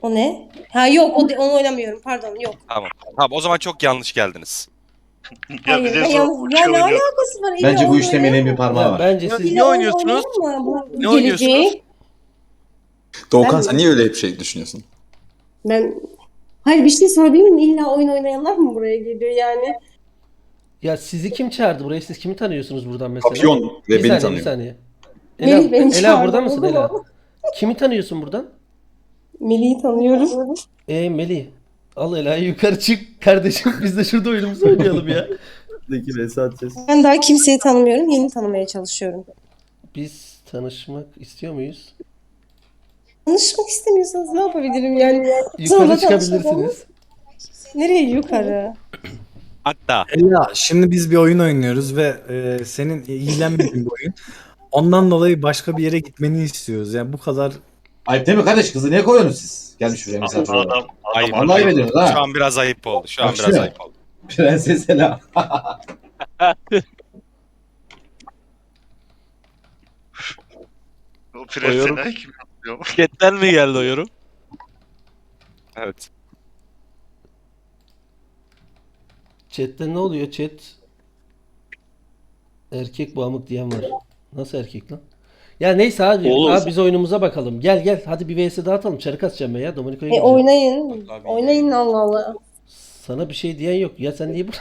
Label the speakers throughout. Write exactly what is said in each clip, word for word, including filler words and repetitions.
Speaker 1: O ne? Ha yok o de- onu oynamıyorum. Pardon yok.
Speaker 2: Tamam. Tamam o zaman çok yanlış geldiniz.
Speaker 3: Ya
Speaker 1: Hayır
Speaker 3: bir de
Speaker 1: ben
Speaker 3: sonra
Speaker 1: yalnız. Ya
Speaker 3: uçuyor
Speaker 1: ne
Speaker 3: oynuyor.
Speaker 1: alakası var? İlla
Speaker 4: Bence bu
Speaker 1: oyun
Speaker 4: işte
Speaker 1: oynayalım
Speaker 4: Melih'in bir
Speaker 1: mı?
Speaker 4: parmağı
Speaker 5: Ya
Speaker 4: var.
Speaker 5: bence siz
Speaker 1: İlla
Speaker 5: ne
Speaker 1: oyun
Speaker 5: oynuyorsunuz?
Speaker 1: oynayalım mı? Bu
Speaker 5: Ne oynuyorsunuz?
Speaker 1: geleceği.
Speaker 6: Doğukan
Speaker 1: Ben
Speaker 6: sen
Speaker 1: mi?
Speaker 6: niye öyle bir şey düşünüyorsun?
Speaker 1: Ben Hayır bir şey sorabilir miyim? İlla oyun oynayanlar mı buraya geliyor yani?
Speaker 5: Ya sizi kim çağırdı buraya? Siz kimi tanıyorsunuz buradan mesela?
Speaker 6: Papyon
Speaker 5: Bir
Speaker 6: ve beni
Speaker 5: saniye, bir
Speaker 6: tanıyor.
Speaker 5: saniye. Ela,
Speaker 1: Melih beni
Speaker 5: Ela
Speaker 1: çağırdı,
Speaker 5: burada mısın
Speaker 1: oldu
Speaker 5: Ela?
Speaker 1: mu?
Speaker 5: Kimi tanıyorsun buradan?
Speaker 1: Melih'i tanıyorum.
Speaker 5: E Melih. Al Ela'yı yukarı çık kardeşim. Biz de şurada oyunumuzu oynayalım ya.
Speaker 4: Buradaki Vesat ses.
Speaker 1: Ben daha kimseyi tanımıyorum. Yeni tanımaya çalışıyorum.
Speaker 5: Biz tanışmak istiyor muyuz?
Speaker 1: Tanışmak istemiyorsanız ne yapabilirim yani?
Speaker 5: Yukarı
Speaker 1: Sonra
Speaker 5: çıkabilirsiniz.
Speaker 1: tanışalım. Nereye yukarı?
Speaker 2: Hatta
Speaker 7: Ya şimdi biz bir oyun oynuyoruz ve e, senin ilgilenmediğin bir oyun. Ondan dolayı başka bir yere gitmeni istiyoruz. Yani bu kadar
Speaker 4: Ayıp değil mi kardeş? Kızı niye koyuyorsunuz siz? Gelmiş buraya misafir olarak.
Speaker 3: Adam,
Speaker 2: ayıp.
Speaker 3: adam
Speaker 4: Vallahi
Speaker 3: ayıp.
Speaker 4: veriyoruz ha.
Speaker 2: Şu an biraz ayıp oldu. Şu an
Speaker 4: Bak
Speaker 2: biraz
Speaker 4: şu.
Speaker 2: ayıp oldu.
Speaker 4: Prenses Ela.
Speaker 3: O prensine kim yapıyor?
Speaker 8: Chatten mi geldi o yorum?
Speaker 2: Evet.
Speaker 5: Chat'te ne oluyor? Chat erkek bu amık diyen var. Nasıl erkek lan? Ya neyse abi,
Speaker 8: Oğlum.
Speaker 5: abi biz oyunumuza bakalım. Gel gel hadi bir vs daha atalım. Çarık atacağım ben ya. Dominico'ya
Speaker 1: E
Speaker 5: gideceğim.
Speaker 1: oynayın. Oynayın Allah Allah.
Speaker 5: Sana bir şey diyen yok. Ya sen niye bu?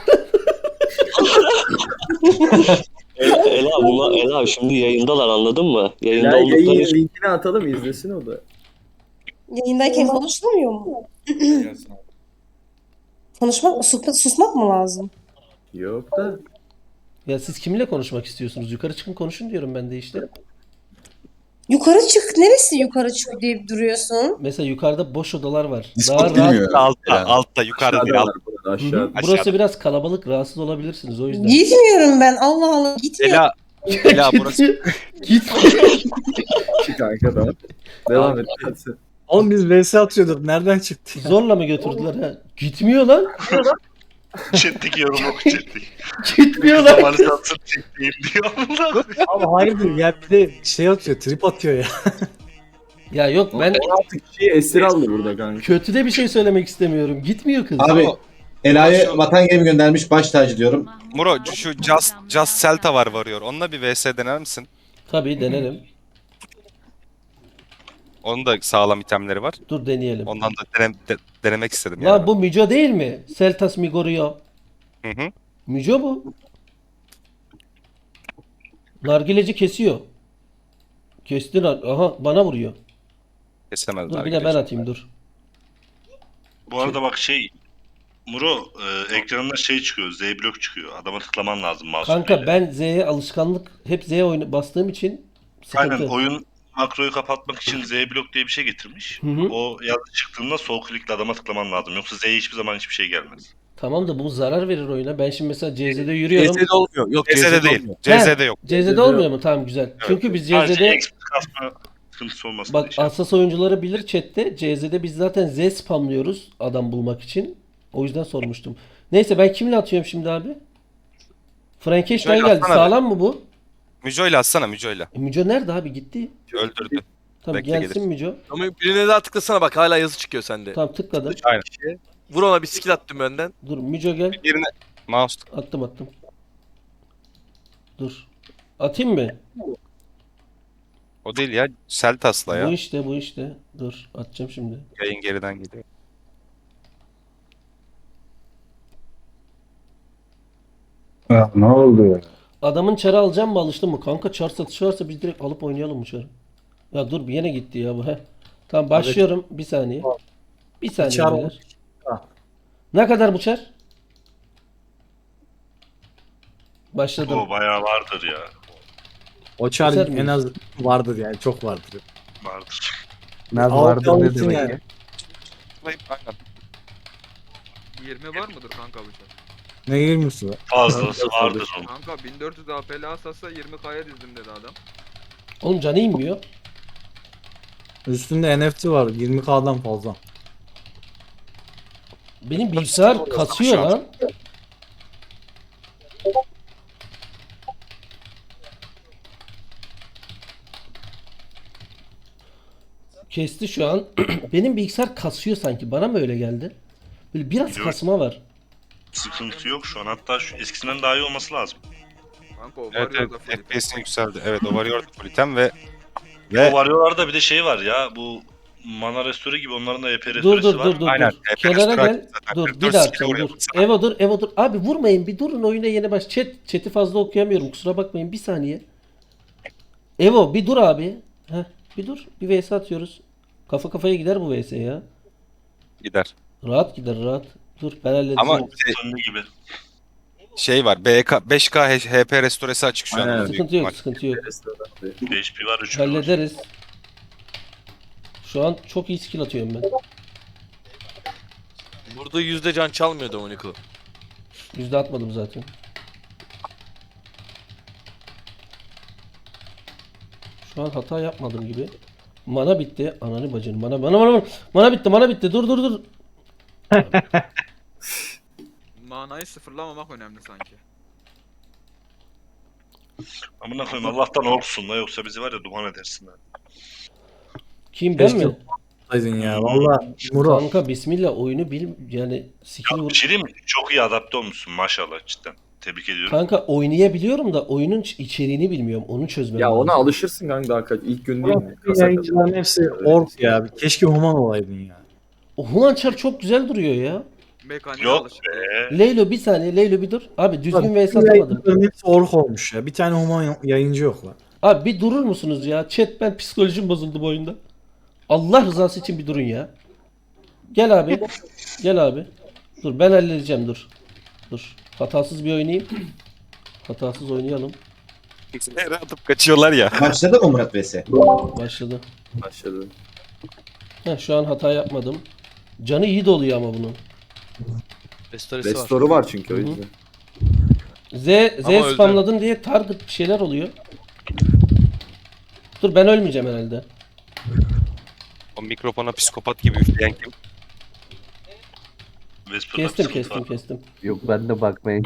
Speaker 8: Ela, Ela, buna, Ela şimdi yayındalar anladın mı? Yayında
Speaker 4: Ya
Speaker 8: oldukları
Speaker 4: yayın
Speaker 8: için.
Speaker 4: linkini atalım izlesin o da.
Speaker 1: Yayındayken konuşulmuyor mu? Konuşmak mı? Susmak, susmak mı lazım?
Speaker 4: Yok da.
Speaker 5: Ya siz kiminle konuşmak istiyorsunuz? Yukarı çıkın konuşun diyorum ben de işte.
Speaker 1: Yukarı çık. Neresi yukarı çık deyip duruyorsun?
Speaker 5: Mesela yukarıda boş odalar var.
Speaker 6: Discord
Speaker 5: Daha rahat.
Speaker 6: bilmiyor.
Speaker 2: Altta,
Speaker 6: Yani.
Speaker 2: altta, yukarıda değil,
Speaker 4: Aşağıda
Speaker 2: altta.
Speaker 4: var burada
Speaker 5: Hı hı.
Speaker 4: aşağıda.
Speaker 5: Burası
Speaker 2: Aşağıda.
Speaker 5: biraz kalabalık. Rahatsız olabilirsiniz o yüzden.
Speaker 1: Gitmiyorum ben. Allah Allah. Gitmiyorum.
Speaker 2: Ela, Ela burası.
Speaker 5: Git.
Speaker 4: Git kanka da. Devam et. Hadi.
Speaker 7: oğlum biz V S atıyorduk. Nereden çıktı?
Speaker 5: Zorla mı götürdüler ha? Gitmiyor lan.
Speaker 3: Chat'teki yorum oku chat'teki.
Speaker 5: Gitmiyor lan.
Speaker 3: Zamanı satsın çektiğim diyor.
Speaker 7: Abi hayırdır ya bir de şey atıyor, trip atıyor ya.
Speaker 5: Ya yok ben
Speaker 4: Artık kişiyi esir aldı burada kanka.
Speaker 5: kötü de bir şey söylemek istemiyorum. Gitmiyor kız.
Speaker 4: Abi Ela'yı vatan gemi göndermiş baş tacı diyorum.
Speaker 2: Muro şu Just, Just Celta var varıyor. Onunla bir vs dener misin?
Speaker 5: Tabii denerim.
Speaker 2: Onun da sağlam itemleri var.
Speaker 5: Dur deneyelim.
Speaker 2: Ondan da dene- de- denemek istedim
Speaker 5: Lan
Speaker 2: yani.
Speaker 5: bu Müco değil mi? Seltas Migorio.
Speaker 2: Hı hı.
Speaker 5: Müco bu. Nargileci kesiyor. Kesti nar- Aha bana vuruyor.
Speaker 2: Kesemez.
Speaker 5: Dur bir de
Speaker 2: nargileci.
Speaker 5: ben atayım dur.
Speaker 3: Bu arada bak şey Muro e, ekranında şey çıkıyor. Z blok çıkıyor. Adama tıklaman lazım mouse
Speaker 5: Kanka
Speaker 3: ile.
Speaker 5: ben Z'ye alışkanlık hep Z'ye oyna bastığım için sıkıntı.
Speaker 3: Aynen oyun makroyu kapatmak için Z blok diye bir şey getirmiş.
Speaker 5: Hı hı.
Speaker 3: O yazı çıktığında sol klikle adama tıklaman lazım. Yoksa Z'ye hiçbir zaman hiçbir şey gelmez.
Speaker 5: Tamam da bu zarar verir oyuna. Ben şimdi mesela C Z'de yürüyorum.
Speaker 8: C S'de olmuyor. Yok
Speaker 2: C S'de değil.
Speaker 8: olmuyor.
Speaker 2: C S'de yok.
Speaker 5: C Z'de olmuyor mu? Tamam güzel. Çünkü biz C
Speaker 3: Sadece
Speaker 5: Z'de
Speaker 3: expert kasma sıkıntısı olmasın
Speaker 5: bak
Speaker 3: diye şey.
Speaker 5: hassas oyuncuları bilir chatte. C Z'de biz zaten Z spamlıyoruz adam bulmak için. O yüzden sormuştum. Neyse ben kimle atıyorum şimdi abi? Frankenstein
Speaker 2: Şöyle
Speaker 5: geldi.
Speaker 2: atsana
Speaker 5: Sağlam mı bu?
Speaker 2: Müco'yla atsana Müco'yla.
Speaker 5: E, Müco nerede abi? Gitti.
Speaker 2: Öldürdü.
Speaker 5: Tamam
Speaker 2: Bekle,
Speaker 5: gelsin
Speaker 2: gelir.
Speaker 5: Müco.
Speaker 8: Ama birine daha tıklasana bak hala yazı çıkıyor sende.
Speaker 5: Tamam tıkladım.
Speaker 2: Aynen.
Speaker 8: Vur ona bir skill attım önden.
Speaker 5: Dur Müco gel.
Speaker 2: Birine mouse
Speaker 5: Attım attım. Dur. Atayım mı?
Speaker 2: o değil ya. Celtas'la
Speaker 5: Bu
Speaker 2: ya.
Speaker 5: işte bu işte. Dur atacağım şimdi.
Speaker 2: Yayın geriden gidiyor.
Speaker 4: Ne oldu ya?
Speaker 5: Adamın çarı alacağım mı alıştın mı? Kanka çar satışı varsa biz direkt alıp oynayalım bu çarı. Ya dur bir yine gitti ya bu. Heh. Tamam başlıyorum. Bir saniye. Bir saniye
Speaker 7: Çar
Speaker 5: beyler. Ne kadar bu çar? Başladım.
Speaker 3: O bayağı vardır ya.
Speaker 7: O çar
Speaker 5: Keser
Speaker 7: en
Speaker 5: miyiz?
Speaker 7: az vardır yani çok vardır.
Speaker 3: Vardır.
Speaker 7: Nerede vardır ne demek ya?
Speaker 2: Aynen.
Speaker 9: yirmi var mıdır kanka bu çar?
Speaker 7: Ne girmiyorsun be?
Speaker 3: Fazlası vardır onun.
Speaker 9: Kanka bin dört yüz A P L asasa yirmi K'ya dizdim dedi adam.
Speaker 5: Oğlum canı inmiyor.
Speaker 7: Üstünde N F T var yirmi K'dan fazla.
Speaker 5: Benim bilgisayar kasıyor lan. Kesti şu an. Benim bilgisayar kasıyor sanki. Bana mı öyle geldi? Böyle biraz
Speaker 3: Yok.
Speaker 5: kasma var.
Speaker 3: Sıkıntı yok şu an. Hatta şu eskisinden daha iyi olması lazım.
Speaker 9: Kanka o
Speaker 2: Evet,
Speaker 9: var ya
Speaker 2: evet
Speaker 9: da full
Speaker 2: F P S'in yükseldi. Evet o varıyor full item ve
Speaker 3: O
Speaker 2: ve
Speaker 3: Warrior'larda bir de şey var ya, bu Mana Restore gibi onların da E P
Speaker 5: Dur
Speaker 3: restoresi
Speaker 5: dur
Speaker 3: var.
Speaker 5: dur dur
Speaker 2: Aynen.
Speaker 5: dur.
Speaker 2: Hep
Speaker 5: Kenara
Speaker 2: restore
Speaker 5: gel.
Speaker 2: zaten.
Speaker 5: Dur
Speaker 2: Restore
Speaker 5: bir daha
Speaker 2: skill
Speaker 5: atacağım
Speaker 2: vuruyor
Speaker 5: dur.
Speaker 2: sana.
Speaker 5: Evo dur Evo dur. Abi vurmayın bir durun oyuna yeni baş. Chat, chat'i fazla okuyamıyorum kusura bakmayın bir saniye. Evo bir dur abi. Heh, bir dur. Bir vs atıyoruz. Kafa kafaya gider bu vs ya.
Speaker 2: gider.
Speaker 5: Rahat gider rahat. Dur ben halledeceğim.
Speaker 2: Ama şey,
Speaker 3: Sönme gibi.
Speaker 2: şey var. B K, beş K H P restoresi açık şu an.
Speaker 4: Aynen.
Speaker 2: onun büyük
Speaker 5: Sıkıntı yok
Speaker 2: ihtimal.
Speaker 5: sıkıntı yok.
Speaker 3: H P var, üç P var.
Speaker 5: Hallederiz. Şu an çok iyi skill atıyorum ben.
Speaker 10: Burada yüzde can çalmıyor Dominico.
Speaker 5: Yüzde atmadım zaten. Şu an hata yapmadım gibi. Mana bitti. Ananı bacını. Mana mana mana mana. Mana bitti. Mana bitti. Dur dur dur.
Speaker 9: manayı sıfırlamamak önemli sanki.
Speaker 3: Amına koyayım, Allah'tan olsun la, yoksa bizi var ya duman edersin ha.
Speaker 5: Kim ben
Speaker 7: Keşke-
Speaker 5: mi?
Speaker 7: Aydın ya valla Muro.
Speaker 5: Kanka bismillah oyunu bil yani skill
Speaker 3: Ya
Speaker 5: vur.
Speaker 3: bir şey diyeyim mi? Çok iyi adapte olmuşsun maşallah, cidden. Tebrik ediyorum.
Speaker 5: Kanka oynayabiliyorum da oyunun içeriğini bilmiyorum. Onu çözmem
Speaker 4: Ya
Speaker 5: lazım.
Speaker 4: ona alışırsın kanka daha kaç. İlk gün değil mi? Kasa
Speaker 7: Yayıncıların hepsi ork ya. Keşke Human olaydın ya.
Speaker 5: O Hunançar çok güzel duruyor ya.
Speaker 9: Mekaniğe
Speaker 3: Yok
Speaker 9: alışık.
Speaker 3: be.
Speaker 5: Leylo bir saniye. Leylo bir dur. Abi düzgün vs
Speaker 7: Bütün
Speaker 5: atamadım.
Speaker 7: yayıncıların hepsi ork olmuş ya. Bir tane Human yayıncı yok lan.
Speaker 5: Abi bir durur musunuz ya? Chat ben psikolojim bozuldu bu oyunda. Allah rızası için bir durun ya. Gel abi. Gel abi. Dur ben halledeceğim dur. Dur. Hatasız bir oynayayım. Hatasız oynayalım.
Speaker 2: Yere atıp kaçıyorlar ya.
Speaker 11: Başladı mı Murat V S?
Speaker 5: Başladı.
Speaker 4: başladı.
Speaker 5: Heh, şu an hata yapmadım. Canı iyi doluyor ama bunun.
Speaker 10: Restoresi var.
Speaker 4: Restoru var çünkü o
Speaker 5: Hı hı.
Speaker 4: yüzden.
Speaker 5: Z, Z
Speaker 10: Ama öldü.
Speaker 5: spamladın diye target bir şeyler oluyor. Dur ben ölmeyeceğim herhalde.
Speaker 2: O mikrofona psikopat gibi üfleyen kim?
Speaker 3: Vesper'da
Speaker 5: Kestim
Speaker 3: sıkıntı
Speaker 5: kestim
Speaker 3: var.
Speaker 5: kestim.
Speaker 11: Yok ben de bakmayın.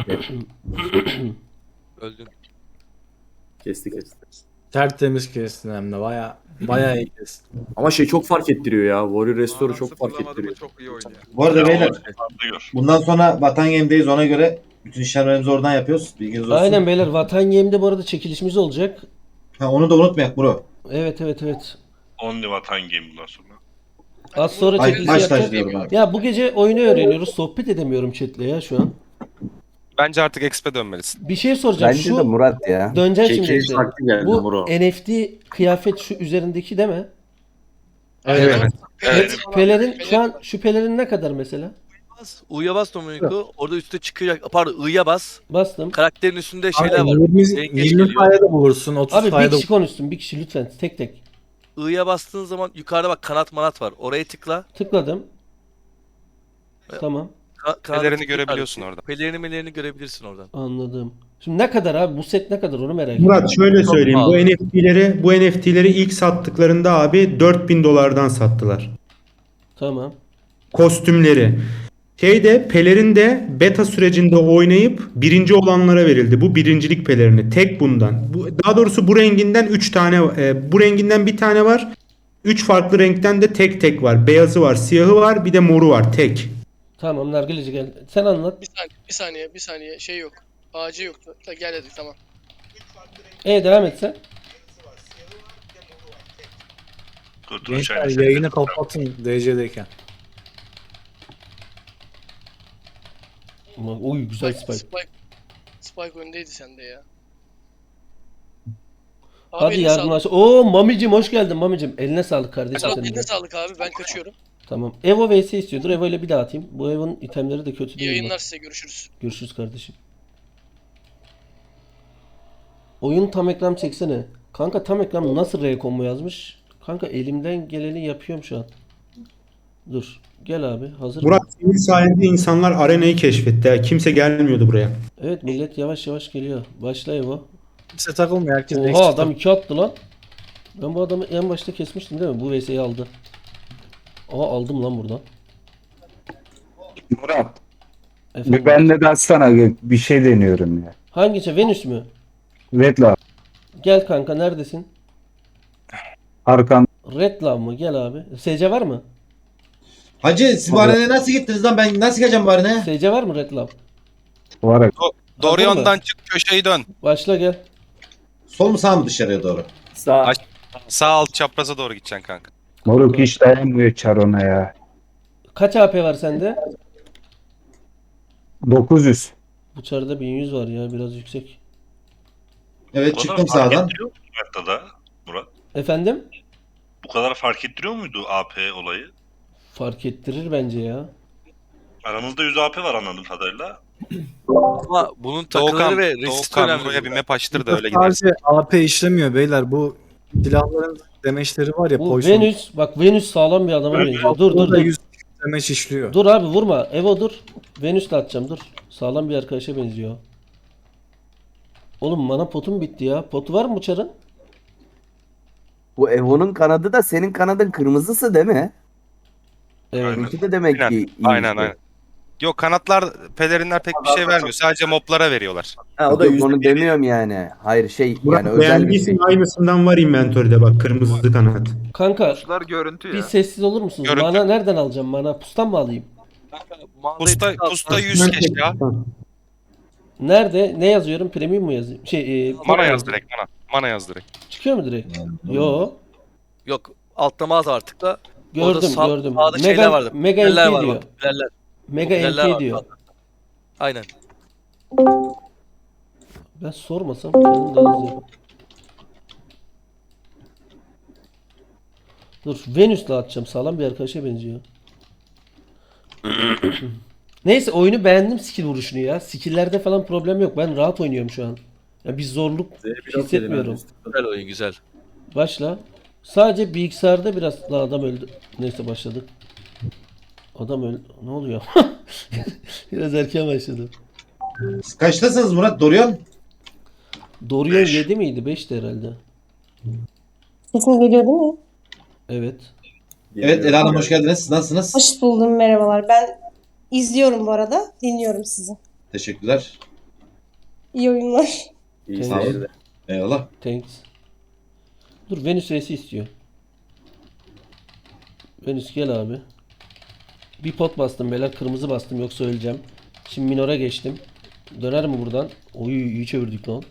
Speaker 10: Öldün.
Speaker 4: Kesti kesti.
Speaker 7: Tertemiz kestin hem de baya baya iyi kestin.
Speaker 4: Ama şey çok fark ettiriyor ya. Warrior Restore'u
Speaker 9: Mana
Speaker 4: çok fark
Speaker 9: sıfırlamadı mı
Speaker 4: ettiriyor.
Speaker 9: çok iyi oynuyor.
Speaker 11: Bu arada
Speaker 3: Ya,
Speaker 11: beyler
Speaker 3: o- Gör.
Speaker 11: bundan sonra Vatan Game'deyiz, ona göre bütün işlemlerimizi oradan yapıyoruz. Bilginiz olsun.
Speaker 5: Aynen beyler Vatan Yem'de bu arada çekilişimiz olacak.
Speaker 11: Ha, onu da unutmayak bro.
Speaker 5: Evet evet evet.
Speaker 3: Only Vatan Game bundan sonra.
Speaker 5: Az sonra
Speaker 11: Ay,
Speaker 5: çekiliş
Speaker 11: baş
Speaker 5: yapacağız.
Speaker 11: taş diyorum abi.
Speaker 5: Ya bu gece oyunu öğreniyoruz. Sohbet edemiyorum chatle ya şu an.
Speaker 2: Bence artık X P dönmelisin.
Speaker 5: Bir şey soracağım.
Speaker 11: Bence
Speaker 5: şu
Speaker 11: de Murat ya.
Speaker 5: döneceğim şimdi.
Speaker 4: Keyif
Speaker 5: işte.
Speaker 4: vakti geldi
Speaker 5: Bu
Speaker 4: Muro.
Speaker 5: N F T kıyafet şu üzerindeki değil mi?
Speaker 7: Evet.
Speaker 3: Evet.
Speaker 5: Pelerin şu an şu pelerin ne kadar mesela?
Speaker 10: Bas. U'ya bas Dominico. Orada üstte çıkacak. Pardon I'ya bas.
Speaker 5: Bastım.
Speaker 10: Karakterin üstünde şeyler
Speaker 7: Abi,
Speaker 10: var.
Speaker 7: yirmi,
Speaker 10: Yengeç
Speaker 7: yirmi
Speaker 10: geliyor.
Speaker 7: sayede bulursun, otuz
Speaker 5: Abi bir
Speaker 7: sayede
Speaker 5: kişi konuşsun. Bir kişi lütfen tek tek.
Speaker 10: I'ya bastığın zaman yukarıda bak kanat manat var. Oraya tıkla.
Speaker 5: Tıkladım. Tamam.
Speaker 10: Ka- kanada
Speaker 2: Pelerini
Speaker 10: tıkla
Speaker 2: görebiliyorsun
Speaker 10: kardeşim.
Speaker 2: orada.
Speaker 10: Pelerini melerini görebilirsin oradan.
Speaker 5: Anladım. Şimdi ne kadar abi? Bu set ne kadar onu merak ediyorum.
Speaker 12: Murat şöyle söyleyeyim. Bu
Speaker 10: pahalı.
Speaker 12: N F T'leri bu N F T'leri ilk sattıklarında abi dört bin dolardan sattılar.
Speaker 5: Tamam.
Speaker 12: Kostümleri. Şeyde pelerin de beta sürecinde oynayıp birinci olanlara verildi. Bu birincilik pelerini. Tek bundan. Bu, daha doğrusu bu renginden üç tane e, bu renginden bir tane var. üç farklı renkten de tek tek var. Beyazı var, siyahı var, bir de moru var. Tek.
Speaker 5: Tamam Nargileci gel. Sen anlat.
Speaker 13: Bir saniye, bir saniye, bir saniye. Şey yok. Ağacı yoktu. Ta gel dedik tamam.
Speaker 5: E devam et sen.
Speaker 3: Kurtuluş
Speaker 7: Gençler
Speaker 3: aynısı.
Speaker 7: yayını kapatın D C'deyken.
Speaker 5: Ama uy güzel
Speaker 13: Spike,
Speaker 5: spike.
Speaker 13: Spike, Spike öndeydi sende ya. Abi
Speaker 5: Hadi
Speaker 13: eline sağlık.
Speaker 5: yardımlaş. Oo Mamicim hoş geldin Mamicim. Eline sağlık kardeşim
Speaker 13: Murat,
Speaker 5: senin de.
Speaker 13: eline sağlık abi, ben kaçıyorum.
Speaker 5: Tamam. Evo V S istiyordur. Evo ile bir daha atayım. Bu Evo'nun itemleri de kötü
Speaker 13: İyi
Speaker 5: değil.
Speaker 13: yayınlar
Speaker 5: bak.
Speaker 13: size, görüşürüz.
Speaker 5: Görüşürüz kardeşim. Oyun tam ekran çeksene. Kanka tam ekran nasıl R combo yazmış? Kanka elimden geleni yapıyorum şu an. Dur. Gel abi. Hazır mı?
Speaker 12: Murat senin sayende insanlar arenayı keşfetti. ha. Kimse gelmiyordu buraya.
Speaker 5: Evet millet yavaş yavaş geliyor. Başla Evo.
Speaker 7: Kimse takılmıyor, herkes
Speaker 5: Oha
Speaker 7: eksik
Speaker 5: adam iki attı lan. Ben bu adamı en başta kesmiştim değil mi? Bu V S'yi aldı. Aa aldım lan buradan.
Speaker 11: Murat.
Speaker 5: Efendim.
Speaker 11: Ben de sana bir şey deniyorum ya.
Speaker 5: Hangisi? Venüs mü?
Speaker 11: Vetla
Speaker 5: Gel kanka neredesin?
Speaker 11: arkan
Speaker 5: Red Love mı? Gel abi. S C var mı?
Speaker 11: Hacı siz bu arenaya nasıl gittiniz lan? Ben nasıl geleceğim bu arenaya?
Speaker 5: S C var mı Red Love?
Speaker 4: Var ya.
Speaker 2: Doğru
Speaker 5: Hazır mı?
Speaker 2: yönden çık, köşeyi dön.
Speaker 5: Başla gel.
Speaker 11: Sol mu sağ mı dışarıya doğru?
Speaker 4: Sağ.
Speaker 2: Aç. Sağ alt çapraza doğru gideceksin kanka.
Speaker 4: Moruk hiç dayanmıyor çar ona ya.
Speaker 5: Kaç A P var sende?
Speaker 4: dokuz yüz.
Speaker 5: Bu çarda bin yüz var ya, biraz yüksek.
Speaker 11: Evet
Speaker 3: Bu kadar
Speaker 11: çıktım
Speaker 3: fark
Speaker 11: sağdan.
Speaker 3: ettiriyor muydu haritada Murat?
Speaker 5: Efendim?
Speaker 3: Bu kadar fark ettiriyor muydu A P olayı?
Speaker 5: Fark ettirir bence ya.
Speaker 3: Aramızda yüz A P var anladığım kadarıyla.
Speaker 10: Ama bunun takıları
Speaker 2: Doğukan,
Speaker 10: ve resist
Speaker 2: Doğukan
Speaker 10: önemli.
Speaker 2: buraya bir
Speaker 10: burada.
Speaker 2: map açtır da öyle gidersin.
Speaker 7: Sadece A P işlemiyor beyler. Bu silahların demeçleri var ya.
Speaker 5: Bu
Speaker 7: poison.
Speaker 5: Venüs, bak Venüs sağlam bir adama benziyor. Dur dur
Speaker 7: Orada
Speaker 5: dur.
Speaker 7: yüz demeç işliyor.
Speaker 5: Dur abi vurma. Evo dur. Venüs'le atacağım dur. Sağlam bir arkadaşa benziyor. Oğlum bana potum bitti ya. Potu var mı bu çarın?
Speaker 14: Bu Evo'nun kanadı da senin kanadın kırmızısı değil mi?
Speaker 5: Evet.
Speaker 14: Bununki de demek
Speaker 2: Aynen,
Speaker 14: ki iyi
Speaker 2: aynen,
Speaker 14: işte.
Speaker 2: aynen. Yok kanatlar, pelerinler pek bir şey vermiyor. Sadece moblara veriyorlar.
Speaker 4: Ha, o da
Speaker 14: Yok,
Speaker 4: yüz.
Speaker 14: onu demiyorum yani. Hayır şey
Speaker 12: Murat
Speaker 14: yani özel bir şey.
Speaker 12: beğendiysen aynısından var inventörde bak kırmızı kanat.
Speaker 5: Kanka
Speaker 9: Kuşlar görüntü
Speaker 5: bir
Speaker 9: ya.
Speaker 5: sessiz olur musunuz?
Speaker 2: Görüntü.
Speaker 5: Mana nereden alacağım? Mana pustan mı alayım?
Speaker 2: Pusta, pusta yüz keş ya.
Speaker 5: Nerede? Ne yazıyorum? Premium mu yazayım? Şey, e,
Speaker 2: Mana yaz direkt mana. Mana yaz direkt.
Speaker 5: Çıkıyor mu direkt? Yo.
Speaker 10: Yok altta mağaza artık da. Orada
Speaker 5: Gördüm
Speaker 10: sağ-
Speaker 5: gördüm.
Speaker 10: sağda şeyler vardı.
Speaker 5: Mega
Speaker 10: Popülerler
Speaker 5: L P
Speaker 10: var
Speaker 5: diyor.
Speaker 10: bak, popülerler.
Speaker 5: Mega
Speaker 10: Popülerler
Speaker 5: L
Speaker 10: var.
Speaker 5: P diyor.
Speaker 10: Aynen.
Speaker 5: Ben sormasam kendim daha hızlı yaparım. Dur Venüs'le atacağım. Sağlam bir arkadaşa benziyor. Neyse oyunu beğendim skill vuruşunu ya. Skill'lerde falan problem yok. Ben rahat oynuyorum şu an. Ya bir zorluk hissetmiyorum.
Speaker 10: Güzel oyun güzel.
Speaker 5: Başla. Sadece bilgisayarda biraz daha adam öldü. Neyse başladık. Adam öldü. Ne oluyor? Biraz erken başladı.
Speaker 11: Siz kaçtasınız Murat? Dorian?
Speaker 5: Dorian yedi miydi? beşti herhalde.
Speaker 1: Sesim geliyor değil mi?
Speaker 5: Evet.
Speaker 11: Evet Ela Hanım hoş geldiniz. Siz nasılsınız?
Speaker 1: Hoş buldum, merhabalar. Ben izliyorum bu arada. Dinliyorum sizi.
Speaker 11: Teşekkürler.
Speaker 1: İyi oyunlar.
Speaker 4: İyi
Speaker 11: Sağ olun.
Speaker 4: seyirler.
Speaker 11: Eyvallah.
Speaker 5: Thanks. Dur Venüs V'si istiyor. Venüs gel abi. Bir pot bastım beyler. Kırmızı bastım yoksa öleceğim. Şimdi minora geçtim. Döner mi buradan? Oy iyi çevirdik lan.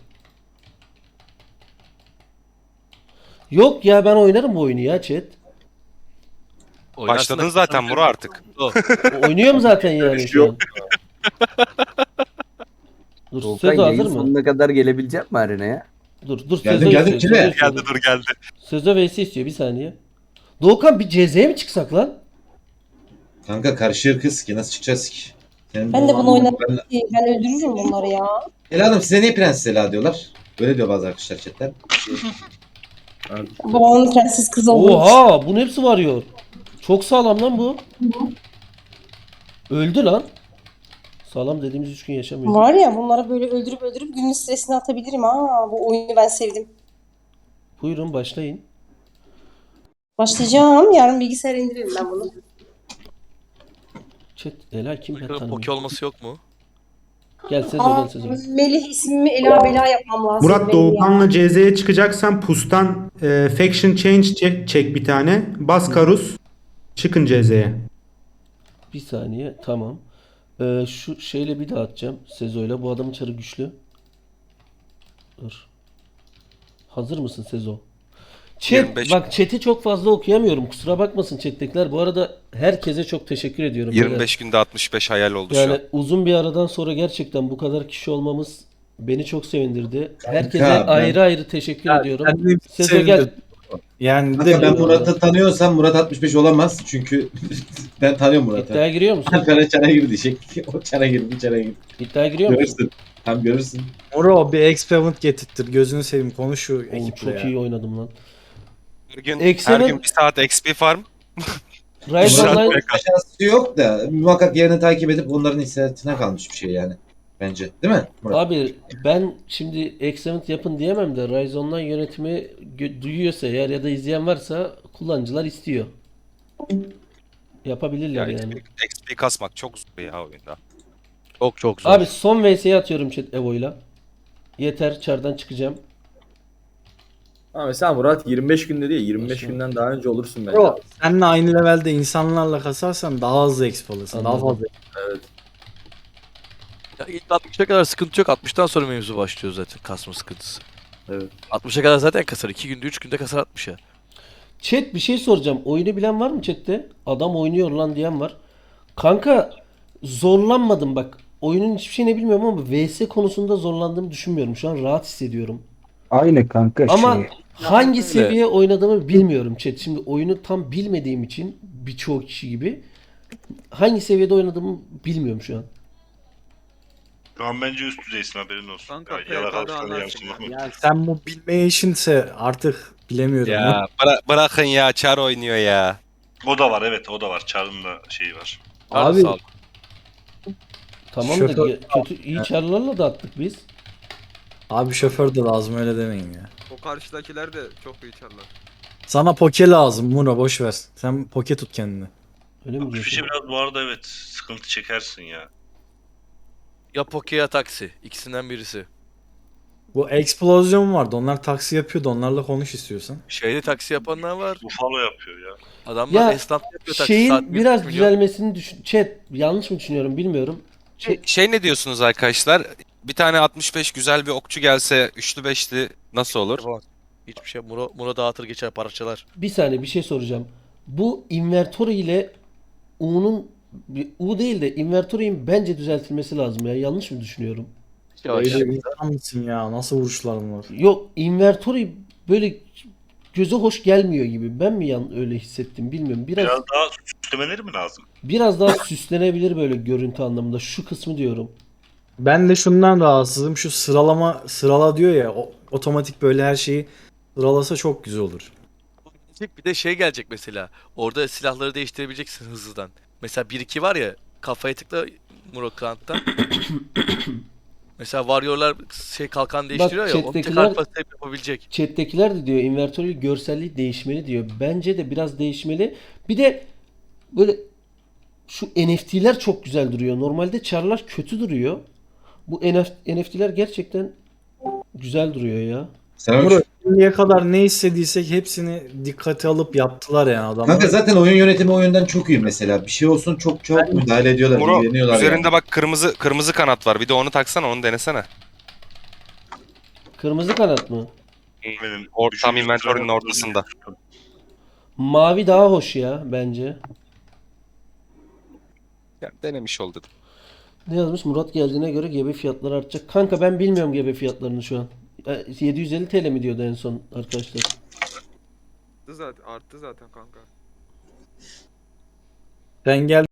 Speaker 5: Yok ya ben oynarım bu oyunu ya chat.
Speaker 10: Oynarsın
Speaker 2: Başladın
Speaker 10: da-
Speaker 2: zaten Muro artık.
Speaker 10: O.
Speaker 5: Oynuyorum zaten yani şu an. Dur
Speaker 14: Doğukan
Speaker 5: Sezo
Speaker 14: yayın
Speaker 5: hazır mı?
Speaker 14: sonuna kadar gelebilecek mi arenaya?
Speaker 5: Dur dur
Speaker 11: Geldim,
Speaker 5: Sezo
Speaker 11: geldim,
Speaker 5: istiyor.
Speaker 11: kime?
Speaker 5: Sezo istiyor.
Speaker 2: Geldi dur geldi.
Speaker 5: Sezo V'si istiyor bir saniye. Doğukan bir C Z'ye mi çıksak lan?
Speaker 11: Kanka karışır kız ki nasıl çıkacağız ki? Senin
Speaker 1: Ben de bunu oynadım
Speaker 11: Ben...
Speaker 1: ki. Ben öldürürüm bunları ya.
Speaker 11: Ela Hanım size niye Prenses Ela diyorlar? Böyle diyor bazı arkadaşlar chatten.
Speaker 1: Babamın prenses kızı olduğu için.
Speaker 5: Oha bunun hepsi varıyor. Çok sağlam lan bu. Öldü lan. Sağlam dediğimiz üç gün yaşamıyor.
Speaker 1: Var ya bunları böyle öldürüp öldürüp günün stresini atabilirim ha. Bu oyunu ben sevdim.
Speaker 5: Buyurun başlayın.
Speaker 1: Başlayacağım. Yarın bilgisayara indiririm ben bunu.
Speaker 5: Chat Ela kim ben
Speaker 10: Bakalım
Speaker 5: tanımıyorum.
Speaker 10: Poke olması yok mu?
Speaker 5: Gel Sezo
Speaker 1: Aa,
Speaker 5: gel Sezo.
Speaker 1: Melih ismimi Ela Bela yapmam lazım.
Speaker 12: Murat
Speaker 1: benim
Speaker 12: Doğukan'la C Z'ye çıkacaksan pustan e, faction change çek, çek bir tane. Bas Karus. Çıkın C Z'ye.
Speaker 5: Bir saniye tamam. Ee, şu şeyle bir daha atacağım. Sezo'yla. Bu adamın çarı güçlü. Dur. Hazır mısın Sezo? Chat,
Speaker 2: yirmi beş.
Speaker 5: bak chat'i çok fazla okuyamıyorum. Kusura bakmasın chat'tekiler. Bu arada herkese çok teşekkür ediyorum.
Speaker 2: yirmi beş günde altmış beş hayal oldu şu
Speaker 5: Yani
Speaker 2: an.
Speaker 5: uzun bir aradan sonra gerçekten bu kadar kişi olmamız beni çok sevindirdi. Herkese
Speaker 11: ben-
Speaker 5: ayrı ayrı teşekkür
Speaker 7: Ya,
Speaker 5: ediyorum.
Speaker 7: ben de
Speaker 5: Sezo gel.
Speaker 7: sevindim. Yani bir
Speaker 11: Kanka
Speaker 7: de
Speaker 11: ben
Speaker 7: bu-
Speaker 11: Murat'ı tanıyorsam Murat altmış beş olamaz. Çünkü ben tanıyorum Murat'ı.
Speaker 5: İddiaya giriyor musun?
Speaker 11: Alperen çana girdi diyecek. O çana girdi, çana girdi.
Speaker 5: İddiaya giriyor musun?
Speaker 11: Görürsün. Tam görürsün.
Speaker 7: Moro bir experiment getirttir. Gözünü seveyim konuş şu
Speaker 5: Oğlum
Speaker 7: ekiple
Speaker 5: çok
Speaker 7: ya.
Speaker 5: iyi oynadım lan.
Speaker 2: Her gün,
Speaker 5: Eksen'in-
Speaker 2: her gün bir saat X P farm.
Speaker 5: Rise
Speaker 2: Güzel.
Speaker 5: Online
Speaker 11: Şansı yok da muhakkak yerini takip edip onların hissiyatına kalmış bir şey yani. Bence. Değil mi Murat?
Speaker 5: Abi ben şimdi Excellent yapın diyemem de Rise Online yönetimi gö- duyuyorsa eğer ya da izleyen varsa kullanıcılar istiyor. Yapabilirler
Speaker 2: Ya
Speaker 5: yani.
Speaker 2: X P kasmak çok zor ya oyunda.
Speaker 10: Çok çok zor.
Speaker 5: Abi son V S'ye atıyorum chat Evo'yla. Yeter çardan çıkacağım.
Speaker 4: Ama mesela Murat yirmi beş günde değil yirmi beş
Speaker 5: Nasıl?
Speaker 4: günden daha önce olursun bence.
Speaker 7: Yo, seninle aynı levelde insanlarla kasarsan daha hızlı exp alırsın. Daha
Speaker 5: Anladım.
Speaker 7: fazla.
Speaker 4: Evet.
Speaker 10: Ya ilk altmışa kadar sıkıntı yok. altmıştan sonra mevzu başlıyor zaten kasma sıkıntısı.
Speaker 4: Evet.
Speaker 10: altmışa kadar zaten kasar. iki günde üç günde kasar altmışa.
Speaker 5: Chat bir şey soracağım. Oyunu bilen var mı chatte? Adam oynuyor lan diyen var. Kanka zorlanmadım bak. Oyunun hiçbir şeyini bilmiyorum ama V S konusunda zorlandığımı düşünmüyorum. Şu an rahat hissediyorum.
Speaker 4: Aynı kanka
Speaker 5: Ama
Speaker 4: şey.
Speaker 5: hangi
Speaker 10: öyle.
Speaker 5: seviye oynadığımı bilmiyorum chat. Şimdi oyunu tam bilmediğim için birçok kişi gibi hangi seviyede oynadığımı bilmiyorum şu an.
Speaker 3: Şu an bence üst düzeysin haberin olsun.
Speaker 9: Kanka,
Speaker 3: Ya,
Speaker 9: P K'da
Speaker 3: yalakalıklarını
Speaker 9: anlarsın
Speaker 3: yansıma.
Speaker 7: Yani sen bu bilmeye işinse artık bilemiyorum.
Speaker 2: Ya bıra- bırakın ya, Char oynuyor ya.
Speaker 3: O da var evet o da var. Çar'ın da şeyi var.
Speaker 5: Abi
Speaker 10: Sağ ol.
Speaker 5: tamam da
Speaker 7: Şoför-
Speaker 5: ge- kötü iyi çarlarla da attık biz.
Speaker 7: Abi şoför de lazım öyle demeyin ya.
Speaker 9: O karşıdakiler de çok iyi çalar.
Speaker 7: Sana poke lazım Mura boş ver. Sen poke tut kendini.
Speaker 5: Öyle mi
Speaker 3: Bu
Speaker 5: diyorsun?
Speaker 3: fişe biraz bu arada evet sıkıntı çekersin ya.
Speaker 10: Ya Poke ya taksi. İkisinden birisi.
Speaker 7: Bu eksplozyon vardı. Onlar taksi yapıyordu. Onlarla konuş istiyorsan.
Speaker 10: Şeyde taksi yapanlar var.
Speaker 3: Buffalo yapıyor ya.
Speaker 10: Adamlar
Speaker 5: Ya
Speaker 10: esnaf yapıyor taksi.
Speaker 5: şeyin
Speaker 10: Saat bir
Speaker 5: biraz
Speaker 10: milyon.
Speaker 5: düzelmesini düşün. Chat yanlış mı düşünüyorum bilmiyorum.
Speaker 2: Şey, şey ne diyorsunuz arkadaşlar? Bir tane altmış beş güzel bir okçu gelse üçlü beşli nasıl olur?
Speaker 10: Yapamaz. Hiçbir şey. Muro, Muro dağıtır geçer parçalar.
Speaker 5: Bir saniye bir şey soracağım. Bu invertori ile U'nun U değil de invertorinin bence düzeltilmesi lazım ya. Yanlış mı düşünüyorum?
Speaker 10: Yavaş.
Speaker 7: Öyle insan mısın ya? Nasıl vuruşların var?
Speaker 5: Yok invertori böyle göze hoş gelmiyor gibi. Ben mi yan öyle hissettim bilmiyorum. Biraz
Speaker 3: Biraz daha süslemeleri mi lazım?
Speaker 5: biraz daha süslenebilir böyle görüntü anlamında. Şu kısmı diyorum.
Speaker 7: Ben de şundan rahatsızım. Şu sıralama sırala diyor ya. o- otomatik böyle her şeyi sıralasa çok güzel olur.
Speaker 10: Bir de şey gelecek mesela. Orada silahları değiştirebileceksin hızlıdan. Mesela bir iki var ya kafaya tıkla Muro Klant'tan. Mesela Warrior'lar şey kalkan değiştiriyor ya. Onu
Speaker 5: chat'tekiler-
Speaker 10: tekrar basıp yapabilecek.
Speaker 5: Chat'tekiler de diyor invertörü görselliği değişmeli diyor. Bence de biraz değişmeli. Bir de böyle şu N F T'ler çok güzel duruyor. Normalde çarlar kötü duruyor. Bu N F T'ler gerçekten güzel duruyor ya.
Speaker 11: Sen
Speaker 7: Mura şimdiye kadar ne istediysek hepsini dikkate alıp yaptılar yani adamlar.
Speaker 11: Kanka zaten oyun yönetimi o yönden çok iyi mesela. Bir şey olsun çok çok müdahale ediyorlar,
Speaker 2: Muro,
Speaker 11: ilgileniyorlar
Speaker 2: üzerinde
Speaker 11: yani.
Speaker 2: bak kırmızı kırmızı kanat var. Bir de onu taksana, onu denesene.
Speaker 5: Kırmızı kanat mı?
Speaker 3: Benim
Speaker 2: Or, tam
Speaker 3: üçüncü
Speaker 2: inventory'nin
Speaker 3: sırada-
Speaker 2: ortasında.
Speaker 5: Mavi daha hoş ya bence.
Speaker 2: Ya, denemiş ol dedim.
Speaker 5: Ne yazmış? Murat geldiğine göre G B fiyatları artacak. Kanka ben bilmiyorum G B fiyatlarını şu an. E, yedi yüz elli T L mi diyordu en son arkadaşlar?
Speaker 9: Arttı zaten, arttı zaten kanka.
Speaker 7: Sen gel